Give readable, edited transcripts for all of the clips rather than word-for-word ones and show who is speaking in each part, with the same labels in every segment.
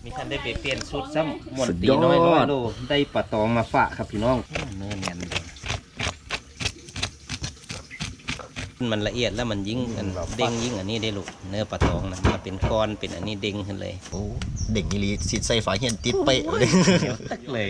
Speaker 1: มีท่านได้ไปเปลี่ยนชุดซ้ำหมดตีน้อยโลได้ปลาตองมาฝากครับพี่น้องเนื้อแน่นมันละเอียดแล้วมันยิ่งเด้งยิ่งอันนี้ได้ลูกเนื้อปลาตองนะมันเป็นก้อนเป็นอันนี้เด้งขึ้นเลย
Speaker 2: โอ้เด็กนี่ลีสิใส่ฝาเหียนติดเป๊ะเลย
Speaker 1: ตักเลย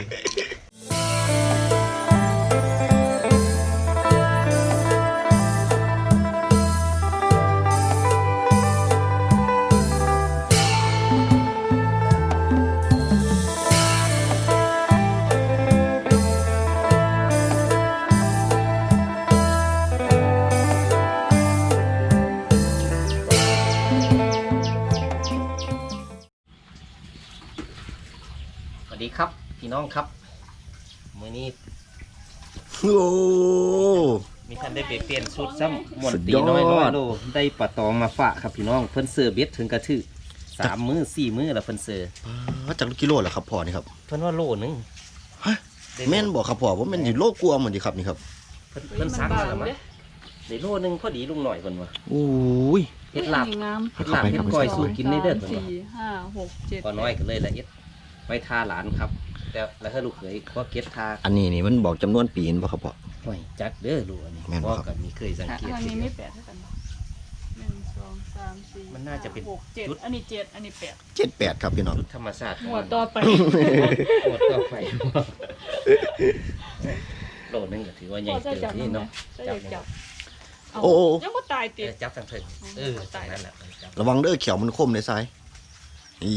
Speaker 1: สวัสดีครับพี่น้องครับมื้อนี้
Speaker 2: โอ้
Speaker 1: มีท่านได้ไปเปลี่ยนชุดซ้ำหมดตีน้อยโลได้ปลาตองมาฝากครับพี่น้องเพิ่นเสือเบ็ดถึงกระทือ3 มื้อ 4 มื้อแล้วเพิ่นเสือ
Speaker 2: จากกิโลเหรอครับพ่อนี่ครับ
Speaker 1: เพิ่นว่าโลนึง
Speaker 2: ฮะแม่นบอกครับพ่อว่ามันอยู่โลกลัวเหมือนดีครับนี่ครับ
Speaker 1: เพิ่นซักแล้วมั้ยได้โลนึงพอดีลุงหน่อยเพิ่นว่า
Speaker 2: โอ้ย
Speaker 1: เฮ็ดลาบเฮ็ดก้อยสู้กินได้เด้อเพิ่นว่า
Speaker 3: 4 5 6 7
Speaker 1: พอน้อยก็เลยละเอียดไว้ทาหลานครับแต่แล้วถ้าลูกเขยก็เก็บทา
Speaker 2: อันนี้นี่มันบอกจำนวนปีนป่ะครับพ่อ
Speaker 1: โอ้ยจักเด้อลูกอันนี้พ่อก็มีเคยสังเกต
Speaker 3: อันนี้ไม่8เท่ากัน1 2 3 4
Speaker 1: มันน่าจะเป็น
Speaker 3: 6 7อันนี้7อันนี้8
Speaker 2: 7 8ครับพี่น้อง
Speaker 1: ธรรมชาติ
Speaker 3: หัวต่อไป
Speaker 1: หัวต่อไปโลนึงก็ถือว่าใหญ่เกินที่เนาะ
Speaker 3: จับ
Speaker 2: โอ้
Speaker 3: ยังบ่ตายติ
Speaker 1: จับทางเถิงตายนั่นแหละ
Speaker 2: ระวังเด้อเขียวมันคมในซ้ายอี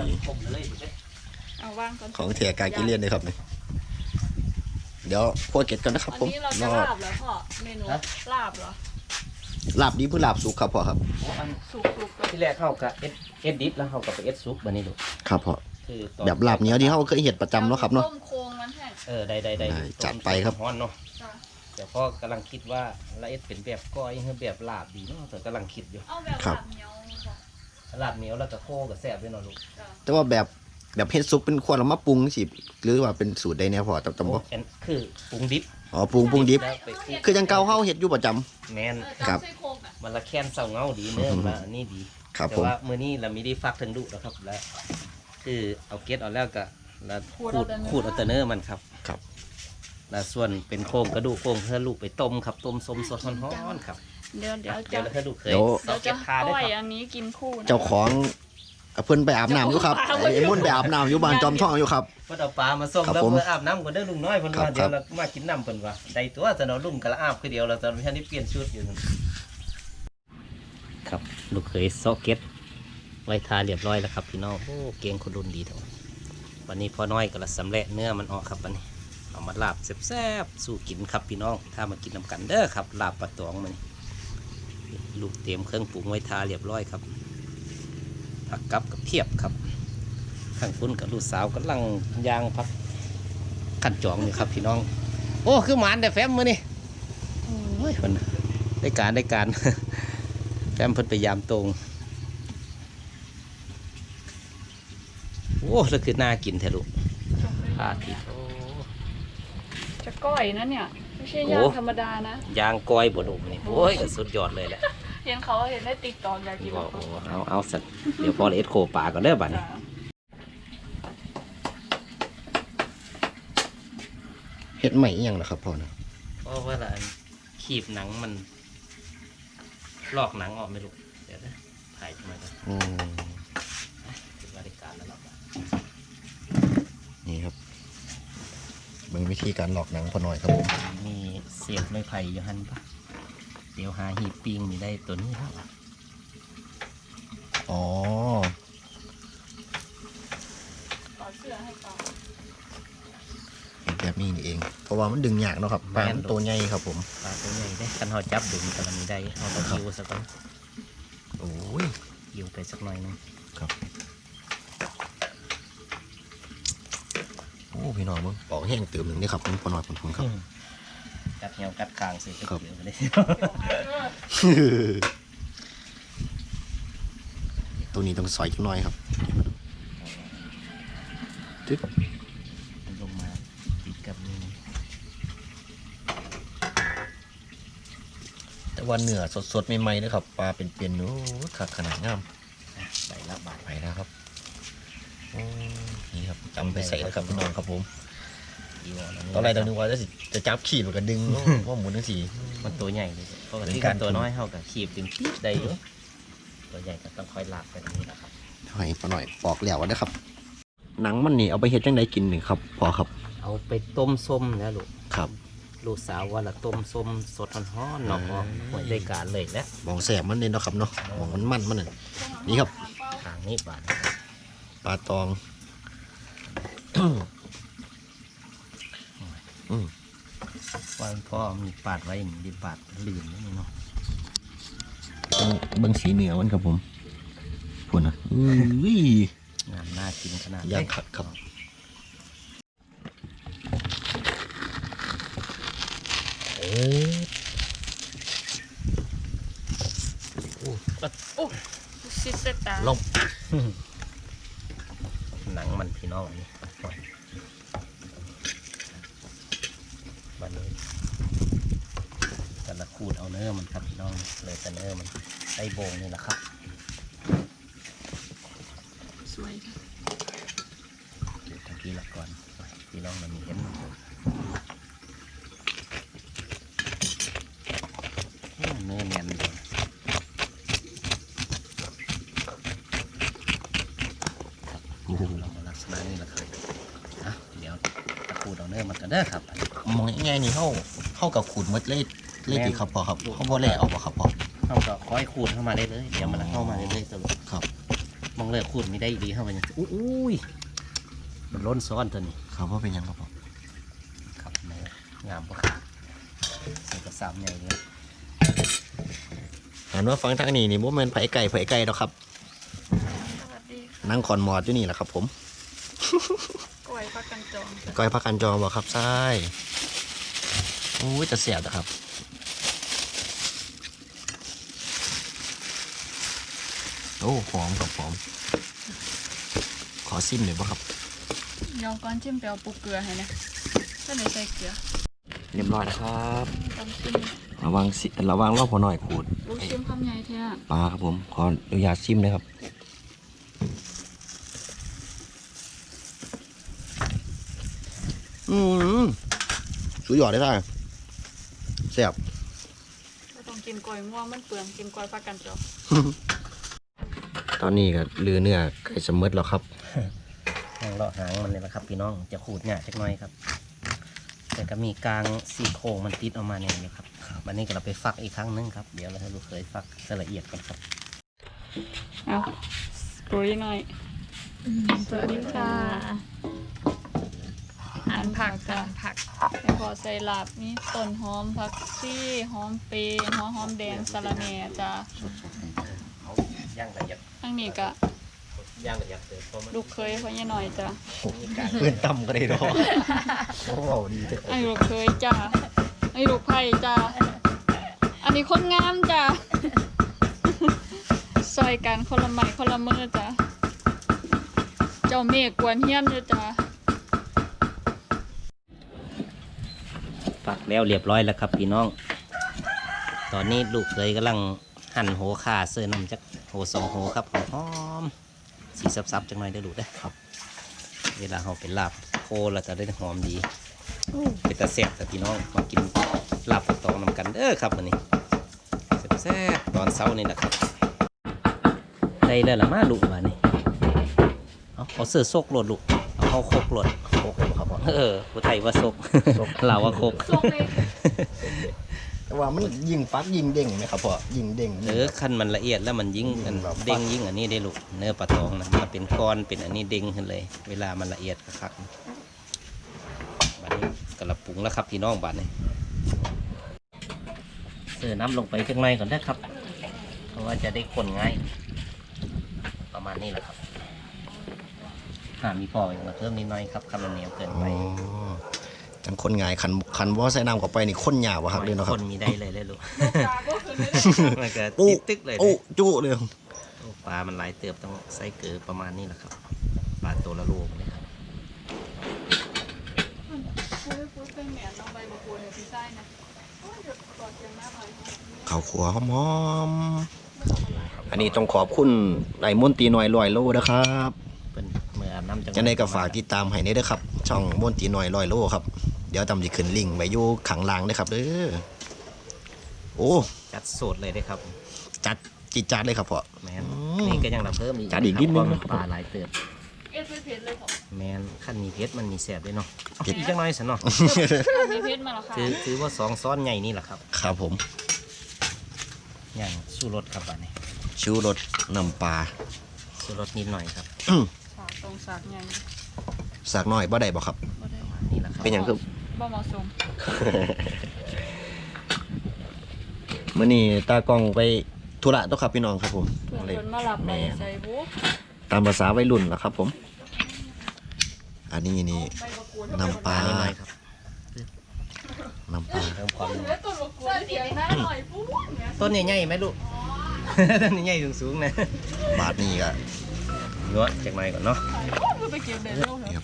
Speaker 3: เอาวางก่อน
Speaker 2: ของเถียกากิเลียนเลยครับนี่เดี๋ยวคั่วเก็ดกันนะครับผม
Speaker 3: อันนี้เราจะลาบเหรอพ่อเมนูลาบเหรอ
Speaker 2: ลาบดีเพื่อลาบสุกครับพ่อครับ
Speaker 3: สุก
Speaker 1: ที่แรกเข้ากับเอสดิฟแล้วเข้ากับเอสซุปบันนี้ดู
Speaker 2: ครับพ่อแบบลาบเนี้ยที่เขาเคยเห็ดประจำเนาะครับเนาะ
Speaker 3: ต้มโค้งมันแห้ง
Speaker 1: ได้
Speaker 2: จัดไปครับ
Speaker 1: ฮ้อนเนาะแต่พ่อกำลังคิดว่าละเอสเป็นแบบก้อยหรือแบบลาบดีเนาะแต่กำลังคิดอยู่
Speaker 3: เอาแบบลาบเหนียว
Speaker 1: ลาบเหนียวแล้วก็โค้กับแซ่บด้วยเนาะลูก
Speaker 2: แต่ว่าแบบเฮ็ดซุปเป็นควรเอามาปรุงสิหรือว่าเป็นสูตรใดแนวพอจำบ่
Speaker 1: คือปรุงดิบ
Speaker 2: อ๋อปรุงดิบคือยังเก่าเฮาเฮ็ดอยู่ประจำ
Speaker 1: แม่น
Speaker 2: ครับ
Speaker 1: มันละแค้นเศร้าเงาดีเนื้อมาอันนี้ดีแต่ว่ามื้อนี้เรามีได้ฟักถึงดุแล้วครับแล้วคือเอาเกล็ดเอาแล้วก็แล้วขูดเอาแต่เนื้อมันครับแล้วส่วนเป็นโครงกระดูกโครงเพื่อลูกไปต้มครับต้มส้มสดร้อนๆครับ
Speaker 3: เดี๋ยว
Speaker 1: แล้วให้ลูกเคย
Speaker 3: จะก้อยอันนี้กินคู่
Speaker 2: เจ้าของเพิ่นไปอาบน้ำอยู่ครับไอ้มุ่นไปอาบน้ำอยู่บ้านจอมทองอยู่ครับ
Speaker 1: เพิ่นเอาปลามาส่งแล้วเพิ่นอาบน้ำก่อนเด้อลุงน้อยเพิ่นว่าเดี๋ยวเรามากินน้ำเพิ่นว่าได้ตัวแต่เราลุงกระอาบคือเดียวเราตอนนี้เปลี่ยนชุดอยู่ครับลูกเคยซอกเก็ตไว้ทาเรียบร้อยแล้วครับพี่น้องโอ้เก่งคนรุ่นดีทั้งวันนี้พ่อน้อยก็ละสำเร็จเนื้อมันออกครับวันนี้เอามาลาบแซ่บๆสู้กินครับพี่น้องถ้ามากินน้ำกันเด้อครับลาบปลาตองมันลูกเตรียมเครื่องปรุงไว้ทาเรียบร้อยครับผักกับเพียบครับข้างคุณกับลูกสาวกำลังย่างพักขั้นจองอยู่ครับพี่น้องโอ้คือหมานแต่แฟมมือนี่โอ้ยมันได้การแฟมเพิ่นไปยามตรงโอ้แล้วคือน่ากินแท้ลูกพาทิโอ้
Speaker 3: จะก้อยนะเนี่ยไม่ใช่ย่างธรรมดานะ
Speaker 1: ย่างก้อยบดอกนี่โอ้ยสุดยอดเลยแหละ
Speaker 3: เห็นได้ติ๊กต็อกอยากกิน
Speaker 1: เอาสัตว์เดี๋ยวพอเอสโคป่าก่อนเด้อบัดนี้
Speaker 2: เฮ็ดใหม่ยังเหรอครับพ่อนะ
Speaker 1: เพราะว่าละขีบหนังมันลอกหนังออกไม่รู้เดี๋ยวนะถ่ายมากันถึงบริการแล้วหรอ
Speaker 2: นี่ครับเป็นวิธีการหลอกหนังพอหน่อยครับผม
Speaker 1: มีเสียบไม้ไผ่อยู่หันปะเดี๋ยวหาหีบปิงมีได้ตัวนี้ครับ
Speaker 2: อ๋อแบบนี้เองเพราะว่ามันดึงยากเนาะครับปลาตัวใหญ่ครับผม
Speaker 1: ปลาตัวใหญ่ได้คันหอจับดึงกันมีได้เอาตะคิวสักก่อน
Speaker 2: โอ้ย
Speaker 1: ยิวไปสักหน่อยนึง
Speaker 2: ครับโอ้พี่น้องมึงปอกแห้งเติมหนึ่งนี่ครับพอหน่อยผมครับ
Speaker 1: กัดเหี่ยวกัดคางสิครับเลย
Speaker 2: ตัวนี้ต้องซอยจังหน่อยครับ
Speaker 1: จึ๊บลงมาปิดกับมือ
Speaker 2: แต่ว่าเนื้อสดๆใหม่ๆนะครับปลาเป็นๆนู้ขาดขนาดงาม
Speaker 1: ใส่ละบาท
Speaker 2: ไปแล้วครับโอ้ครับจำไปใส่แล้วครับพี่น้องครับผม
Speaker 1: อีวอนอันนี้
Speaker 2: ตอนแรกเรานึกว่าจะจับขีดมันก็ดึงว่าหมุนทั้งสี่
Speaker 1: มันตัวใหญ่เลยปกติ
Speaker 2: เป็นการ
Speaker 1: ตัวน้อยเท่ากับขีบดึงปี๊ดได้อยู่ตัวใหญ่ก็ต้องคอยลากไปตรงนี้แหละครับ
Speaker 2: ถอยมาหน่อยปอกแล้วนะครับ หนังมันนี่เอาไปเฮ็ดจังไดกินหนึ่งครับพอครับ
Speaker 1: เอาไปต้มส้มนะลูก
Speaker 2: ครับ
Speaker 1: ลูกสาวว่าละต้มส้มสดฮ้อนๆเนาะหวยได้การเลยแล้ว
Speaker 2: มองแสบมันเนี่ยเนาะครับเนาะมองมันนั่นนี่ครับ
Speaker 1: ทางนี้บาด
Speaker 2: ปลาตอง
Speaker 1: ว่าพ่อมีปาดไว้มีดิปาดลืมนี่เนาะ
Speaker 2: เบิ้งสีเหนือมันครับผมพูดนะอุ้ย
Speaker 1: งามน่ากินขนาด
Speaker 2: ย่างขัดครับ
Speaker 1: เออ
Speaker 3: โอ้ซิเซตา
Speaker 2: ลง
Speaker 1: หนังมันพี่น้องนี่บันนี้แต่ละขูดเอาเนื้อมันครับพี่น้องเลยแต่เนื้อมันไส้โบงนี่แหละครับ
Speaker 3: สวยค่ะ
Speaker 1: เดี๋ยวตะกี้ละก่อนพี่น้องมันมีเห็นมันเนื้อเนียนเลยเรามาลักษณะนี้แหละครับอ่ะเดี๋ยวตะขูดเอาเนื้อมันกันเด้อครับ
Speaker 2: มองง่ายๆนี่เข้ากับขูดมดเล่ตีครับพอครับเขาบ่เล่ออกบ่ครับพอ
Speaker 1: เข้าก็ค่อยขูดเข้ามาได้เลยเดี๋ยวมันเข้ามาเรื่อยๆตลอด
Speaker 2: ครับ
Speaker 1: มองเลยขูดไม่ได้ดีเข้ามาอย่างอุ้ยมันล้นซ้อนตัวนี้
Speaker 2: ครับว่าเป็นยังครับพอ
Speaker 1: ครับเนื้องามปะครับใส่กระสามใหญ่เลย
Speaker 2: หันว่าฟังทางนี้นี่บ่แม่นไผไก่ดอกครับ
Speaker 3: สวัสดี
Speaker 2: นั่งคอนมอดอยู่นี่แหละครับผม
Speaker 3: กล้วยพักกันจอง
Speaker 2: ก้อยพักกันจองบ่ครับใช่โอ้ยจะเสียบนะครับโอ้หอมครับหอมขอซิมหน่อยบ่ครับ
Speaker 3: ยองก้อนชิมเปรี้ยวปูเกลือให้นะก็เลยใส่เกลือ
Speaker 2: เรียบร้อยนะครับ
Speaker 3: ต้องชิม
Speaker 2: ระวังรอบพอหน่อยขูด
Speaker 3: ลูกชิมคำใหญ่เท่า
Speaker 2: ปลาครับผมขออนุญาตซิมเลยครับสุดยอดเลยท่านแซ่บ
Speaker 3: ไม่ต้องกินกล้วยม่วงมันเปลืองกินกล้วยพักกันจอง
Speaker 2: ตอนนี้ก็ลือเนื้อไก่สมมติแล้วครับ
Speaker 1: หางเลาะหางมันเลยนะครับพี่น้องจะขูดหยาจักหน่อยครับแต่ก็มีกลางซี่โครงมันติดออกมาเนี่ยนะครับวันนี้ก็เราไปฟักอีกครั้งนึงครับเดี๋ยวเราให้ลูกเคยฟักละเอียดก่อนครับ
Speaker 3: เอาปุยหน่อยสวัสดีค่ะหั่นผักค่ะแล้วพอใส่ลาบมีต้นหอมผักซี่หอมเปรย์หัวหอมแดงสะระแหน่จ้ะ
Speaker 1: เขาย่างละเอียด
Speaker 3: ทั้งนี้ก็
Speaker 1: ย่างละเอียดเลยเพราะมัน
Speaker 3: ลูกเคยพ่อยี่หน่อยจ้ะ
Speaker 1: มีการ
Speaker 2: เพื่อนต่ำก็ได้ดอกโอ้โหดีเลย
Speaker 3: ไอ้ลูกเคยจ้ะไอ้ลูกไผ่จ้ะอันนี้คนงามจ้ะซอยกันคนละไม้คนละมือจ้ะเจ้าเมฆกวนเฮียนเลยจ้ะ
Speaker 1: ฟักแล้วเรียบร้อยแล้วครับพี่น้อง ตอนนี้ลูกเคยกำลังหั่นโหข่าเสื้อน้ำจักโหสองโหครับหอมๆสีซับๆจังหน่อยได้ดูได้ครับ เวลาเราเป็นลาบโคเราจะได้หอมดีเป็นตาแซ่บแต่พี่น้องมากินลาบตองนำกันครับวันนี้แซ่บๆตอนเช้านี่แหละครับได้แล้วละมาลูกมานี่เอาเสื้อซกโหลดลูกเอาเข้าโคกโหลด
Speaker 2: โอ้โหครับผม
Speaker 1: ผู้ไทยว่าซกลาวว่าโคก
Speaker 2: แต่ว่ามันยิงฟักยิงเด้งไหมครับพ่อยิงเด้ง
Speaker 1: ขั้นมันละเอียดแล้วมันยิ่งอัน
Speaker 2: แบบ
Speaker 1: เด้งยิ่งอันนี้ได้ลูกเนื้อปลาตองนะมันเป็นก้อนเป็นอันนี้เด้งขึ้นเลย เวลามันละเอียดคักๆบัดนี้กระปรุงแล้วครับพี่น้องบัดนี้เสิร์ฟน้ำลงไปจังไรก่อนได้ครับ เพราะว่าจะได้คนง่ายประมาณนี้แหละครับมีพออย่างมาเพิ่มนิดหน่อยครับคำมันเหนียวเกินไป
Speaker 2: จังคนง่ายคันว่าใส่น้ำเข้าไปนี่คนหยาบอะครับเลยเนาะค
Speaker 1: ครับ นมีได้เลยเลยลูกมันก็
Speaker 2: โอ้
Speaker 1: ติดตึกเลย
Speaker 2: โอ้จุเลย
Speaker 1: โอ้ปลามันหลายเติบต้องใส่เกลือประมาณนี้แหละครับปลาตัวละโลเลยครับ
Speaker 3: พูดเป็นแหนมน้องใบมะกรูดเนี่ยพี่ไส้นะเดี๋ยวกอดเสียงหน้าหน่อย
Speaker 2: ข้าวขัวหอมๆอันนี้ต้องขอบคุณไอ้มนตรีหน่อยลอยโลนะครับ
Speaker 1: เป็นเมื่ออาบน้ำจ
Speaker 2: จังได้ก็ฝากติดตามให้ได้เด้อครับช่องม่วนตีน้อย100 โลครับเดี๋ยวตำสิขึ้นลิงก์ไว้อยู่ข้างล่างเด้อครับเด้อโอ้
Speaker 1: จัดโสดเลยได้ครับ
Speaker 2: จัดจิตจัดเลยครับพ่อ
Speaker 1: แมนนี่ก็ยังรับเพิ่มอีก
Speaker 2: จัดอีกนิดนึง
Speaker 1: ปลาหลายเติบ
Speaker 3: เอ็ดเพชรเลยผม
Speaker 1: แมนขั้นมีเพชรมันมีแสบด้วยเนาะ
Speaker 2: เผ็ด
Speaker 1: อีกจังน้อยสันเนาะ
Speaker 3: มีเพชรมาแล้วค่ะ
Speaker 1: ถือว่า2 ซ้อนใหญ่นี่แหละครับ
Speaker 2: ครับผม
Speaker 1: อย่างสู้รสครับอันนี้
Speaker 2: ชูรสน้ำปลา
Speaker 1: สู้รสนิดหน่อยครับ
Speaker 3: สากตรงสากใหญ่
Speaker 2: สักหน่อยบ่ได้บ่ครับ
Speaker 3: บ่ได้
Speaker 1: นี่แหละครับ
Speaker 2: เป็นอย่างคือ
Speaker 3: บ่เหมาะสม
Speaker 2: มื้อนี้ตากล้องไปธุระตัวครับพี่น้องครับผม
Speaker 3: เพื่อนคนมาหลับไปใส่บุ๊ก
Speaker 2: ตามภาษาวัยรุ่นล่ะครับผม อันนี้นี่
Speaker 3: ใบบักกูด
Speaker 2: น้ำปลา
Speaker 1: นิดหน่อยครับ
Speaker 2: น้ำปลา
Speaker 1: เพิ่มความ
Speaker 3: แล้วต้นบักกูดเสียงหน้าหน่อยปุ๊บเนี่ย
Speaker 1: ต้นใหญ่ๆไหมลูก ต้นใหญ่ๆสูงๆนะ
Speaker 2: บาทนี้ก็
Speaker 1: เนาะจากหน่อยก่อนเนาะ
Speaker 3: เพื่อไปเก็บเด็ดลูกเหรอ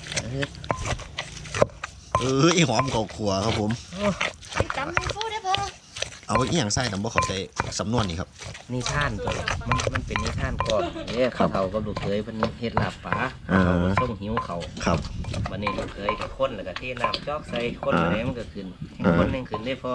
Speaker 2: อีหอมข้าวคั่วครับผม
Speaker 3: จำฟูได้พอ
Speaker 2: เอาอีหยังใส่แต่บ่เข้าใจสำนวนนี่ครับ
Speaker 1: นิทานตัวมันเป็นนิทานก่อนเนี่ยเขากับลูกเคยเพิ่นเฮ็ดลาบปลา
Speaker 2: อ่า
Speaker 1: เขาก็ส่งหิวเขา
Speaker 2: ครับ
Speaker 1: วันนี้ลูกเคยกับคนแล้วก็เทน้ำจอกใส่คน
Speaker 2: อ่า
Speaker 1: อะไรมันก็ขึ้น
Speaker 2: อ่า
Speaker 1: คนหนึงขึ้นได้พอ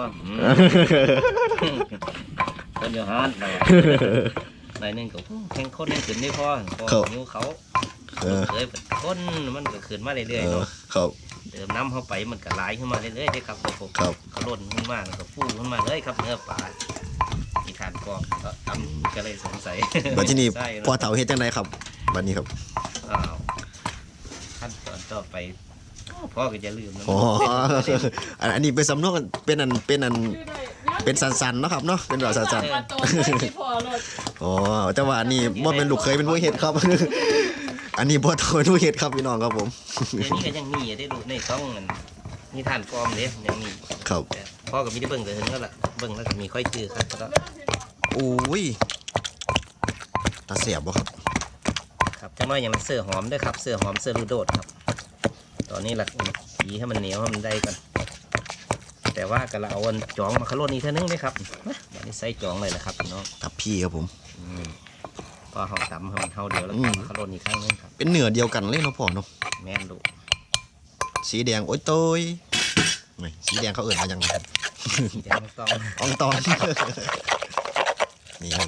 Speaker 1: คนอยู่ฮาร์ดหน่อยหน่อยหนึงก็แข่งคนหนึงขึ้นได้พอหิวเขา
Speaker 2: เอ
Speaker 1: ลูก
Speaker 2: อ
Speaker 1: เคยเป็นคนมันก็ขึ้นมาเรื่
Speaker 2: เอ
Speaker 1: อยๆ
Speaker 2: อ
Speaker 1: เนาะ
Speaker 2: ครับ
Speaker 1: เติมน้ำเข้าไปมันก็ไหลขึ้นมาเรื่อยๆได้ครับผม
Speaker 2: ครับ
Speaker 1: เขาล่นขึ้นมาแล้วก็ฟูขึ้นมาเลยครับเนื้อปลามีทานกรอบก็ทำก็เลยสงสัย
Speaker 2: บัดที่นี่
Speaker 1: ใช่
Speaker 2: พ่อเฒ่าเฮ็ดจังไดครับบัดนี้ครับ
Speaker 1: อ้าวขั้นตอนต่อไปพ่อก็จะลืมนะ
Speaker 2: อ๋ออันนี้เป็นสำนวนเป็นสันๆเนาะครับเนาะเป็นแบบสัน
Speaker 3: มาโตเลยที่พอรถ
Speaker 2: ๆอ๋อแต่ว่าอันนี้บ่เป็นลูกเคยเป็นผู้เฮ็ดครับ อันนี้พ่อเฒ่าเป็นผู้เฮ็ดครับพี่น้องครับผม
Speaker 1: เดี๋ยวนี้ก็ยังมีอยู่ได้ดูในต้องมันมีทานกรอมเลยยังมี
Speaker 2: ครับ
Speaker 1: แต่พ่อก็ไม่ได้เบิ่งแต่ถึงแล้วล่ะเบิ่งแล้วก็มีค่อยจืดครับแล้วก็
Speaker 2: โอ้ยตาเสียบบ่ครับ
Speaker 1: ครับจังน้อยอย่างเสื้อหอมด้วยครับเสื้อหอมเสื้อลูโดดครับ ตอนนี้หลักสีให้มันเหนียวให้มันได้กันแต่ว่าก็เราเอาอันจองมาขลุ่นอีกเท่านึงไหมครับมาวันนี้ใส่จองเลยนะครับพี่น้อง
Speaker 2: ทับพี่ครับผม
Speaker 1: พอห่อตำให้มันเท่าเดียวแล้วก็มาขลุ่นอีกครั้งนึงครับ
Speaker 2: เป็นเนื้อเดียวกันเลยเนาะพ่อเนาะ
Speaker 1: แม่นดู
Speaker 2: สีแดงโอ้ยโตยนี่สีแดงเขาเอิ่นมาจังไง
Speaker 1: สีแดงต้อง
Speaker 2: อองตอน นี่ครับ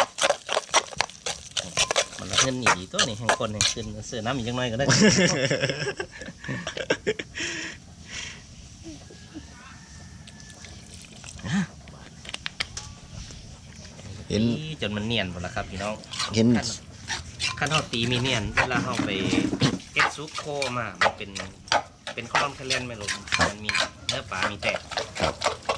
Speaker 1: มันละเงินหนีตัวนี้แห่งคนแห่งขึ้นเสื้อน้ำอีกจังน้อยก็ได้
Speaker 2: เห็น
Speaker 1: ตีจนมันเนียนหมดแล้วครับพี่น้อง
Speaker 2: เห็น
Speaker 1: ขั้นเท่าตีมีเนียนเวลาเราไปเก็ตซุปโคมามันเป็นข้าวต้มแคลนไม่รู้มันมีเนื้อปลามีแตก
Speaker 2: ครับ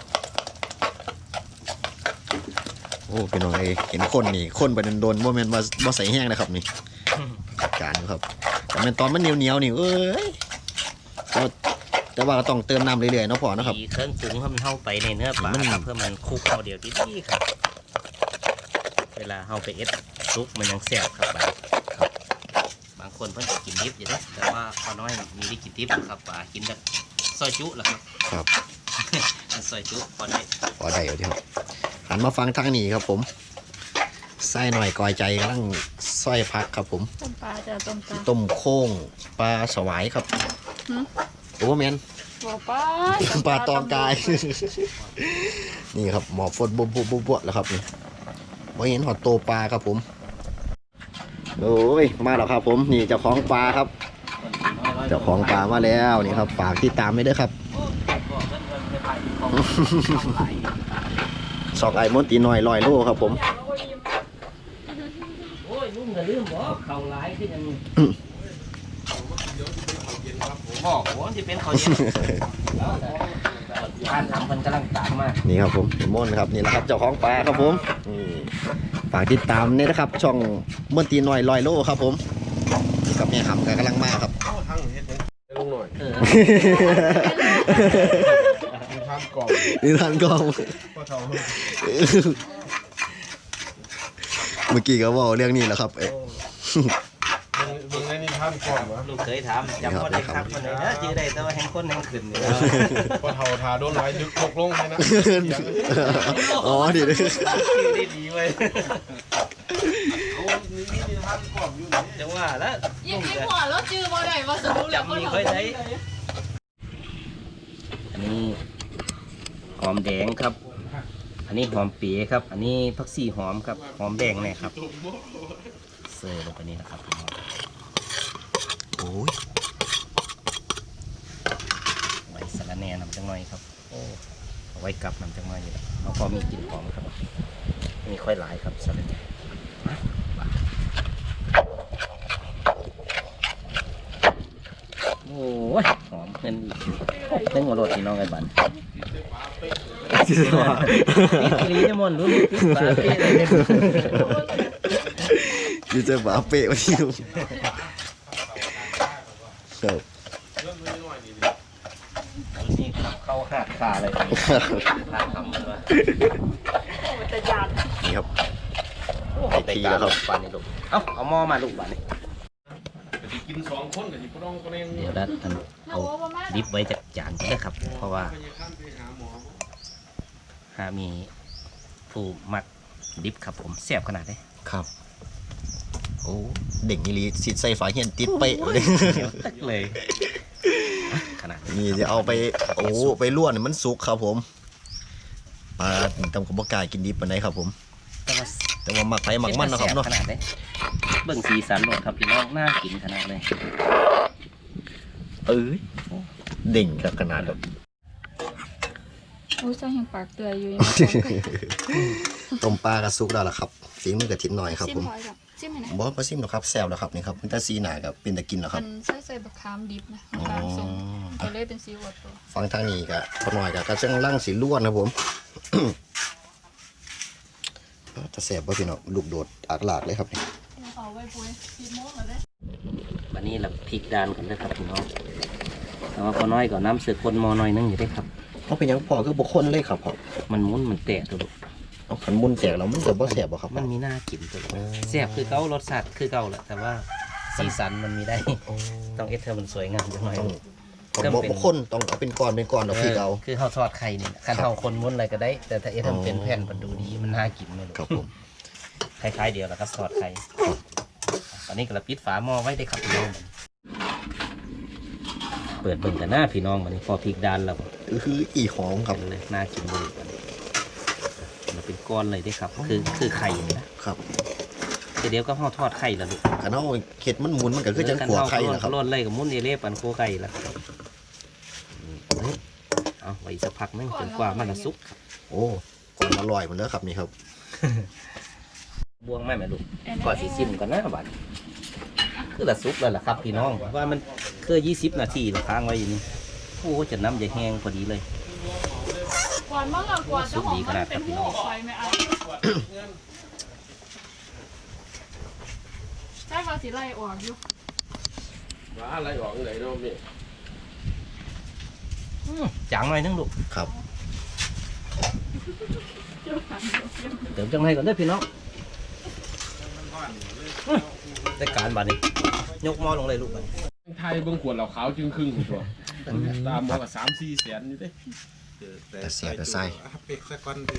Speaker 2: โอ้พี่น้องเอ้ยเห็นคนนี่คนไปโดนๆบ่แม่นว่าบ่ใส่แห้งนะครับนี่การอยู่ครับแต่แม่นตอนมันเหนียวๆนี่เอ้ยแต่ว่าก็ต้องเติมน้ำเรื่อยๆเนาะพ่อเนาะครับ
Speaker 1: ตีเครื่องปรุงให้มันเข้าไปในเนื้อปลาครับเพื่อมันคลุกเข้าเดียวดีๆครับ เวลาเข้าไปเอ็ดซุปมันยังแซ่บครับบางคนเพิ่นจะกินดิบอยู่นะแต่ว่าพอน้อยมีได้กินดิบครับปลากินแบบซอยจุล่ะครับ
Speaker 2: ครับ
Speaker 1: ซอยจุพอได้
Speaker 2: พอได้อยู่ที่ครับหันมาฟังทางนี้ครับผมไส้หน่อยกอยใจกำลังซอยพักครับผม
Speaker 3: ต้มปลาจะต้มปลา
Speaker 2: ต้มโค้งปลาสวายครับโอ้แมน
Speaker 3: บอกปลา
Speaker 2: ปลาตองกาย นี่ครับหมอฟดบุบแล้วครับนี่ว่าเห็นหอดโตปลาครับผมโอ้ยมาแล้วครับผมนี่เจ้าของปลาครับเจ้าของปลามาแล้วนี่ครับฝากติดตามไม่ด้วยครับสอกไอ้มดตีน้อย100 โลครับผม
Speaker 1: โอ้ยลุงก็ลืมบอกเขาหลายขึ้นยังบอกว่าจะเป็นเขาเย็นทานทำมันกำลังตามมา
Speaker 2: นี่ครับผมมนครับนี่แหละครับเจ้าของปลาครับผมนี่ฝากติดตามนี่นะครับ ช่องมดตีน้อย100 โลครับผมนี่กับแม่ขำกำลังมาครับ
Speaker 4: ลุงหน่อย
Speaker 1: เออ
Speaker 4: มีทานกล่อง
Speaker 2: นี่ท่านกอง
Speaker 4: พ่อเท่าลูก
Speaker 2: เมื่อกี้ก็บอกเรื่องนี้แหละครับ
Speaker 4: มึงได้นี่ทานกล่องวะ
Speaker 1: ลูกเคยถามจำคนได้ครับคนไหนนะจื้อได้แต่ว่าแห่งคนแห่งขึ้นนี่
Speaker 4: พ่อเท่าทาโดนไว้ดึกตกลงเลยนะ
Speaker 2: อ๋อดีเลย
Speaker 1: ชื่อได้ดีเว้ย
Speaker 4: เขามีนิทานกล่อมอยู่นี่
Speaker 1: จังว่าแล้ว
Speaker 3: ยิ่งหัวแล้วจื้อบ่ได้ว่าสนุกแล้วบ่
Speaker 1: จำมี
Speaker 3: ทำ
Speaker 1: ค่อยได้
Speaker 3: ได้
Speaker 1: อันนี้หอมแดงครับ อันนี้หอมเปี๊ยครับ อันนี้ผักชีหอมครับ หอมแดงเนี่ยครับเสิร์ฟลงไปนี่นะครับพี่น้อง
Speaker 2: โอ้ย
Speaker 1: ไว้สะระแหน่นำจังหน่อยครับโอ้เอาไว้กับนำจังหน่อยนี่แหละเอาพอมีกลิ่นหอมครับมีค่อยหลายครับสะระแหน่โอ้ยหอมเงินอีกเพิ่งหัวโรดพี่น้องไอ้บันติดกิริยามนรู้ติดปลาเป้เลยเนี่ย
Speaker 2: อยู่เจอฝาเปะวันนี้ครับ
Speaker 1: นี่เข้าหักขาเลยหักคำมันว่า
Speaker 3: แต่ยาน
Speaker 2: นี่ครับ
Speaker 1: ไอ้ทีแล้วครับปานนี่ลูกเอาหม้อมาลูกบานนี่
Speaker 4: แต่ที่กิน2คนแต่ที่บ่ต้องก็ยัง
Speaker 1: เดี๋ยวดัดเอาดิบไว้จากจานด้วยครับ เพราะว่า
Speaker 4: พยาการไปหาหมอ
Speaker 1: หามีผู้มักดิบครับผมแซ่บขนาดไหน
Speaker 2: ครับโอ้เด็กนี่ลีสิใส่ฝาเฮียนติดเปะเลย
Speaker 1: เดี๋ยวตักเลยขนาด
Speaker 2: นี่จะเอาไปโอ้ไปล้วนให้มันสุกครับผมปลาตำกระบอกกายกินดิบปานไหนครับผม
Speaker 1: แต่ว่า
Speaker 2: แต่ว่าหมักไปหมักมันนะครับเนาะ
Speaker 1: ขนาดไหนเบิ่งสีสันรสครับพี่น้องน่ากินขนาดเลย
Speaker 2: เอ้ยเด่งครับขนาดแบบ
Speaker 3: โอ้ยใส่แห่งปากเตือยอยู่
Speaker 2: ต้มปลากระซุกแล้วล่ะครับฝีมือกระถิ่นหน่อยครับ
Speaker 3: ซิ
Speaker 2: ผม ม
Speaker 3: พอยกับซิมให้นะ
Speaker 2: บอสมาซิมหรอกครับแซวแล้วครับนี่ครับมันจะสีหนากับเป็นตะกินแล้วค
Speaker 3: มั
Speaker 2: รับ
Speaker 3: นใส่บักขามดิบนะบักขามส้มก็เลยเป็นสีวัดตัว
Speaker 2: ฟังทางนี้กับพอหน่อยกับกระเจ้งล่างสีล้วนครับผม จะแสบว่าพี่น้องลูกโดดอักหลากเลยครับนี่
Speaker 3: เอาไว้ปุ้ย10 โมงแล้วเด้
Speaker 1: วันนี้เราพริกดานกันเลยครับพี่น้องแต่ว่าพอน้อยก็น้ำเสือคนหมอน้อยนึงอยู่ได้ครับ
Speaker 2: เขาเป็นหยังพอคือบุคคลเลยครับผม
Speaker 1: มันมุนมันแตกตัวลูก
Speaker 2: เอาขันมุนแตกแล้วมันจะบ่แสบบ่ครับ
Speaker 1: มันมีหน้ากินตัวแซ่บคือเก่ารสชาติคือเก่าแหละแต่ว่าสีสันมันมีได้ ต้องเอสเธอมันสวยงามจังหน่อย
Speaker 2: ต้องบุคคลต้องเอาเป็นก้อนดอกพี่เกา
Speaker 1: คือเขาทอดไข่นี่คันเท่าคนม้วนอะไรก็ได้ แต่ถ้าเอสเธอมันเป็นแผ่นมันดูดีมันน่ากินเลย
Speaker 2: ครับผม
Speaker 1: คล้ายๆเดียวแล้วก็ทอดไข่ตอนนี้ก็เราปิดฝาหม้อไว้ได้ครับพี่น้องเปิดเบิ่งกันหน้าพี่น้องมันนี่พอพริกดานแล้ว
Speaker 2: คืออีหอมครับ
Speaker 1: เลยน่ากินเลยมันเป็นก้อนเลยได้ครับ คือไข่นี่นะครับ เดี๋ยวก็ห่อทอดไข่แล้วลูก
Speaker 2: ขันเอาเห็ดมันหมุนมันก็คือจังขัวไข่นะครับ
Speaker 1: ร่นเลยกับมุ้นเอเล่ปันโคไก่แล้วครับเอาไว้สักพักนึงจนกว่ามันจะสุก
Speaker 2: โอ้ก่อนอร่อยหมดแล้วครับนี่ครับ
Speaker 1: บวงแม่แม่ลูกก่อนสีซิมก่อนนะบัดคือละสุกแล้วล่ะครับพี่น้องว่ามันคือ20 นาทีเราค้างไว้อยู่นี่โอ้จะน้ำจะแห้งพอดีเลย
Speaker 3: ก่อนมั่งก่อนเจ้าของมันเป็นหัวไฟไม่เอาใช่ว่าสิไล่ออกอยู่
Speaker 4: ว่าอะไรออกไหนเนาะแม่
Speaker 1: จางหน่อยนึงลูก
Speaker 2: ครับ
Speaker 1: เติมจังไรก่อนเด้อพี่น้องได้การบัดนี้ยกหม้อลงเลยลูกบัดนี้
Speaker 4: ไทยเบิ่งขวดเหล้าขาวจึงครึ่งตัวตามหมอก็3-4 แสนอยู่เด้
Speaker 2: แต่เสียแต่ไส้
Speaker 5: เป็กสักวันดิ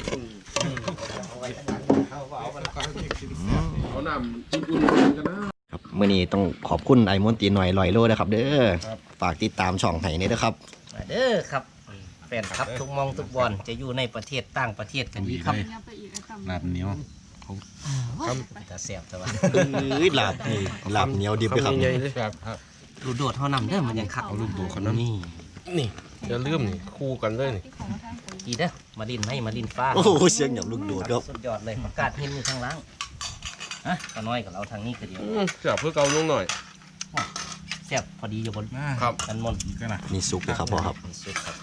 Speaker 4: เอาน้ำอุ่นๆกันนะครับ
Speaker 2: มื่อนี้ต้องขอบคุณไอ้มนตรีหน่อยลอยโลนะครับ เด้อฝากติดตามช่องไห้นี่นะครับ
Speaker 1: มาเด้อครับแฟนครับทุกมองทุกบอลจะอยู่ในประเทศต่างประเทศกันดีครับ
Speaker 3: เนี่ยไปอีกไอ้ตำ
Speaker 5: ลาบเหนียว
Speaker 1: จะเสียบแต่ว่า
Speaker 2: หลับหลับเหนียวดิบด้วยครับ
Speaker 4: ใหญ่ๆเลยครับ
Speaker 1: ลูกโดดเท่านำเด้อมันยังขับ
Speaker 4: เอาลูกโดดเขานำ
Speaker 1: นี่
Speaker 4: นี่จะลืมนี่คู่กันเลยนี่
Speaker 3: ที่ของมาทางคน
Speaker 1: ดีเด้อมาดินให้มาดินฟ้า
Speaker 2: โอ้โหเสียงอย่างลูกโดดครับ
Speaker 1: สุดยอดเลยประกาศเห็นอยู่ข้างล่างอ่ะก็น้อยกับเราทางนี้คือเดียว
Speaker 4: จับเพื่อเกาลงหน่อย
Speaker 1: เสียบพอดีอยู่บน
Speaker 4: ครับ
Speaker 1: กันมน
Speaker 5: ก็นะ
Speaker 2: นี่ซุปเลยครับพ่อครับ
Speaker 1: นี่สุดครับ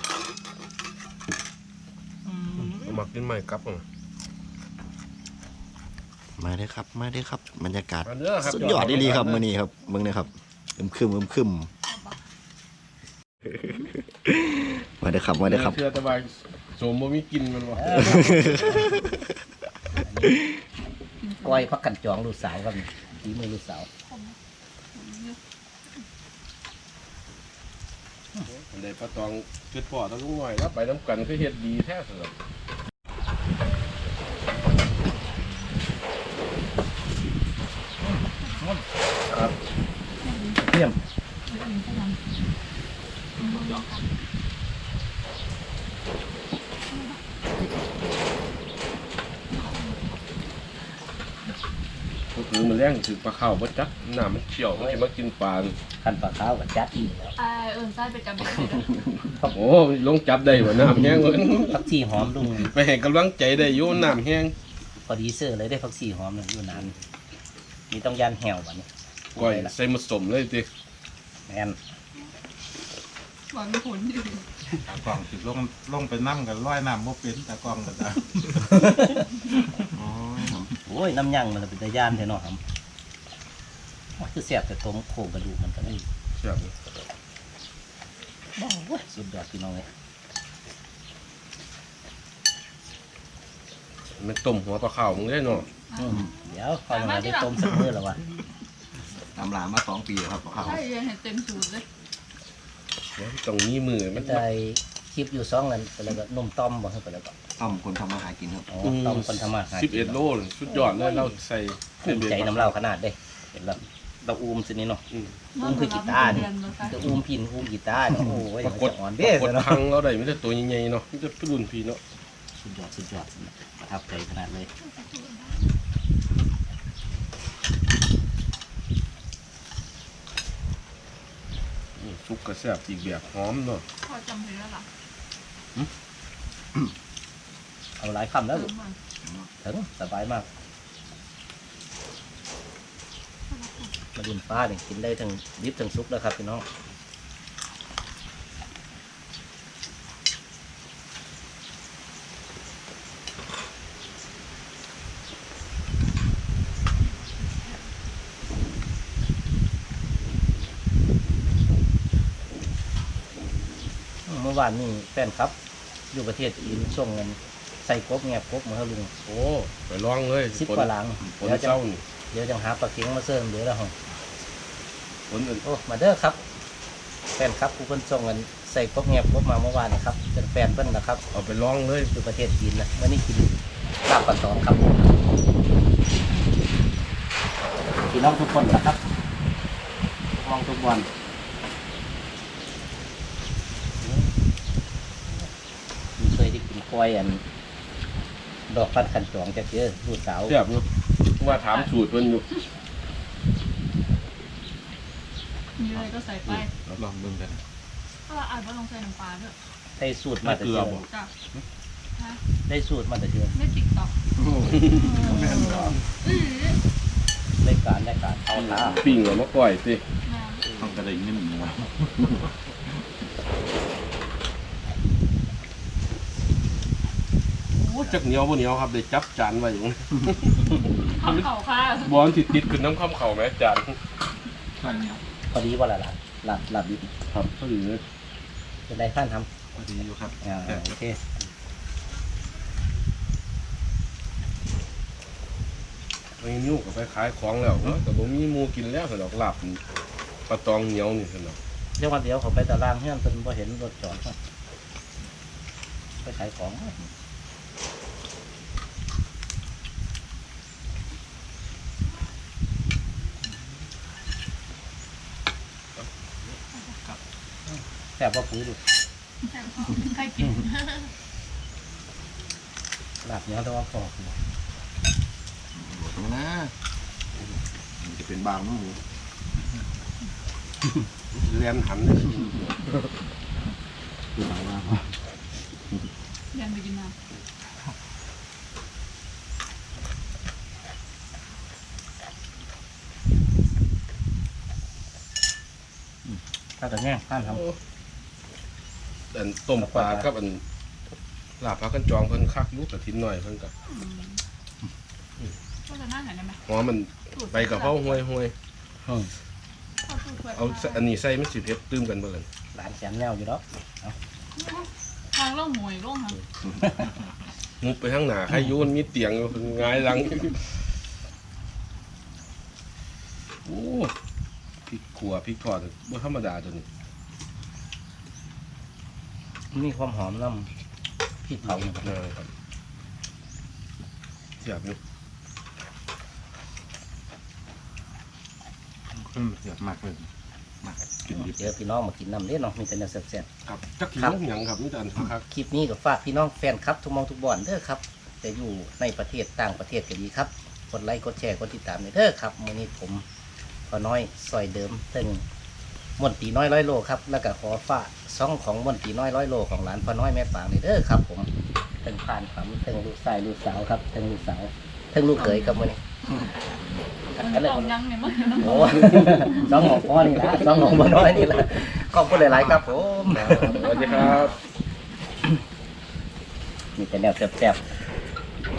Speaker 4: เอามากินใหม่ครับ
Speaker 2: มาเด้อครับมาเด้อครับบรรยากาศ
Speaker 4: มาเด้อครับ
Speaker 2: สุดยอดดีครับมื่อนี้ครับเบิ่งนะครับคึมมาเด้อครับมาเด้อครับ
Speaker 4: เชื่อแต่ว่าสมบ่มีกินมันวะ
Speaker 1: ก้อยพักกันจองลูกสาวครับฝีมือลูกสาว
Speaker 4: เลยปลาตองคิดพอต้องหน่อยแล้วไปน้ำกันคือเฮ็ดดีแท้สุด
Speaker 1: ยี่ยม
Speaker 4: ก็คือมันแรงถือปลาข้าวบ่จักน้ำมันเชี่ยวมันจะมากินปลา
Speaker 1: คันปลาขาวกับจัดอีกแล้ว
Speaker 3: ไส้ไปจับได้เลย
Speaker 4: โอ้ลงจับได้บ่น้ำแห้งเลย
Speaker 1: ผักชีหอมลุง
Speaker 4: ไปให้กำลังใจได้อยู่น้ำแห้ง
Speaker 1: พอดีเสื้อเลยได้ผักชีหอมเลยอยู่นานมีต้องยันแหวบัดนี้
Speaker 4: ก้อยใส่ผสมเลยติ
Speaker 1: แมน
Speaker 3: หวานไม่ผลอยู่
Speaker 5: ตากล้องสิลงไปน้ำกันร้อยน้ำบ่เป็นตากล้องกันจ้ะ
Speaker 1: โอ้ยน้ำยั่งมันเป็นตะย่านแท้เนาะครับว่าคือแสบแต่ตรงโครงกระดูกมันก็นี่
Speaker 4: แซ่บเลย
Speaker 1: โอ้ยสุดยอดพี่น้องเลย
Speaker 4: มันต้มหัวปลาข้าวมึงได้เนาะ
Speaker 1: เดี๋ยวพอมาได้ต้มสักมื้อแล้ววะ
Speaker 2: ตำรามา2 ปีครับข้าว
Speaker 3: ใช่ยังเห็นเต็มสูตรเลย
Speaker 4: ต้องมีมือมั
Speaker 1: มัน นได้คลิปอยู่2นั่นไปแล้วก็นมต้อมบ่ให้ไปแล้วก็
Speaker 2: ต้มคนทำมาหากินครับ
Speaker 1: อ๋อต้มคนทำมาหากิน
Speaker 4: 11 โลสุดยอดเลยเราใส่
Speaker 1: ภูมิใจน้ำเล่าขนาดเด้เห็นแล้วเราอูมสินี่เนาะ อุ้มคือกีตาร์นี่ จะอูมพินอูมกีตาร์เนาะโอ้ย
Speaker 4: ปรากฏ
Speaker 1: จะอ่อน
Speaker 4: ป
Speaker 1: เด้
Speaker 4: รากฏ
Speaker 1: เนาะ
Speaker 4: ทางเราได้มีแต่ตัวใหญ่ๆเนาะมีแต่รุ่นพี่เนาะ
Speaker 1: สุดยอดสุดยอดประทับใจขนาดเลย
Speaker 4: ซุปกระแซ่บอีกแบบหอมเนาะ
Speaker 3: พอจำเพลงแล้วล่ะ
Speaker 1: เอาหลายคำแล้วลูกถึงสบายมากมาดินฟ้าเนี่ยกินได้ทั้งดิบทั้งซุปแล้วครับพี่น้องเมื่อวานนี่แฟนครับ อยู่ประเทศจีนช่วงเงินใส่กบแงบกบมาให้ลุง
Speaker 4: โอ้ไปลองเลย
Speaker 1: 10 กว่าหลัง
Speaker 4: ผล
Speaker 1: เดี๋ยวจะ
Speaker 4: เศร้านี่
Speaker 1: เดี๋ยวจะหาปลาเค็งมาเสริมเดี๋ยวแล้วหง
Speaker 4: ผลอื่น
Speaker 1: โอ้มาเด้อครับแฟนครับผู้เพิ่นส่งเงินใส่กบแงบกบมาเมื่อวานนะครับเป็นแฟนเพิ่นนะครับ
Speaker 4: เอาไปลองเลย
Speaker 1: อยู่ประเทศจีนนะวันนี้กินลาบปลาตองครับพี่น้องทุกคนนะครับมองทุกวันเคยได้กินกล้วยอันดอกฟันขันจองจากเยอะลูกสาว
Speaker 4: แซ่บอยู่ว่าถามสูตรเพิ่นอยู่
Speaker 3: มีอะไรก็ใส่ไป
Speaker 5: ลองดูกัน
Speaker 3: ถ้าเราอาจว่าลงใส่น้ำปลาด้วย
Speaker 1: ได้สูตรมาแต่เชื่อ
Speaker 3: จ้ะฮะ
Speaker 1: ได้สูตรมาแต่เชื่อ
Speaker 3: ไม่ติ๊กต็อก
Speaker 5: แม่นบ่
Speaker 1: ได้การเอาท้า
Speaker 4: ปิ้งเอามาก้อยสิ
Speaker 5: ต้องกระดิ่งนิดหนึ่งว่ะ
Speaker 4: โอ้จักเหนียวบ่เหนียวครับได้จับจานไว้อยู่
Speaker 3: ข้าวเข่าค่ะ
Speaker 4: บอลติดขึ้นน้ำข้ามเข่าแม่จาน
Speaker 5: ข้าวเหนียว
Speaker 1: พอดีว่าละหลับดิบ
Speaker 4: ครับเขาอยู่เลย
Speaker 1: จะได้ท่านท
Speaker 5: พอดีอยู่ครับ
Speaker 1: ำโอเค
Speaker 4: ไปนิ้วก็ไปขายของแล้วเนาะแต่บ่มีหมูกินแล้วสนอกหลับปลาตองเหนียวนี่สนอก
Speaker 1: เดี๋ยววันเดียวเขาไปตารางเฮือนเพิ่นบ่เห็นรถจอดครับไปขายของแซ่บว่าปุ๋ยดู
Speaker 3: ใครกิน
Speaker 1: หลับเนี้ยแต่ว่าพอ
Speaker 2: โหดนะมันจะเป็นบางน้ำหมู
Speaker 4: เรียนหันเลย
Speaker 2: คือหมายว่า
Speaker 3: ยันไปกินน้
Speaker 1: ถ้าแต่แง่ท่านทำ
Speaker 4: อันต้มปลากับอันลาบปลากันจองเพิ่นคักลูกกระถินหน่อยเพิ่นกับ
Speaker 3: ำก็จะน่าหายได้ไหม
Speaker 4: หอมมันไปกับเพราห่วย เอาอันนี้ใส่มันสิเผ็ดตื้มกันเบิ่ง
Speaker 1: หลานแสนแนวอยู่แล้ว
Speaker 3: ทางล่องหมวยล่องค่ะ
Speaker 4: มุบไปข้างหน้าใครโยนมีเตียงอยู่หงายหลังโอ้พริกขัวพริกทอดบ่ธรรมดาตัวนี้
Speaker 1: มีความหอมน้ำพริกเผาอยู่ครับ
Speaker 4: นะครับเสียบอยู่
Speaker 5: ขึ้นเสียบมากเลย
Speaker 1: เดี๋ยวพี่น้องมากินน้ำเด้เนาะมีแต่แนวแซ่บ
Speaker 4: ครับจักกินหยังครับนี่แต่อันครับ
Speaker 1: ๆคลิปนี้ก็ฝากพี่น้องแฟนครับทุกมองทุกบ่อนเด้อครับจะอยู่ในประเทศต่างประเทศก็ดีครับกดไลค์กดแชร์กดติดตามเด้อครับมื้อนี้ผมพอน้อยซอยเดิมถึงมนตรีน้อย100 โลครับแล้วก็ขอฝากซ่องของมนตรีน้อย100 โลของหลานพอน้อยแม่ฝางเด้อครับผมถึงผ่านความถึงลูกชายลูกสาวครับถึงลูกสาวถึงลูกเขยครับมื้อนี้
Speaker 3: มันต้องยังเนี่ยมันต้อง
Speaker 1: โอ้ สองของพ่อนี่ละสองของบ่น้อยนี่ละขอบคุณหลายๆครับผม
Speaker 4: สวัสดีครับ
Speaker 1: มีแต่แนวแซ่บๆ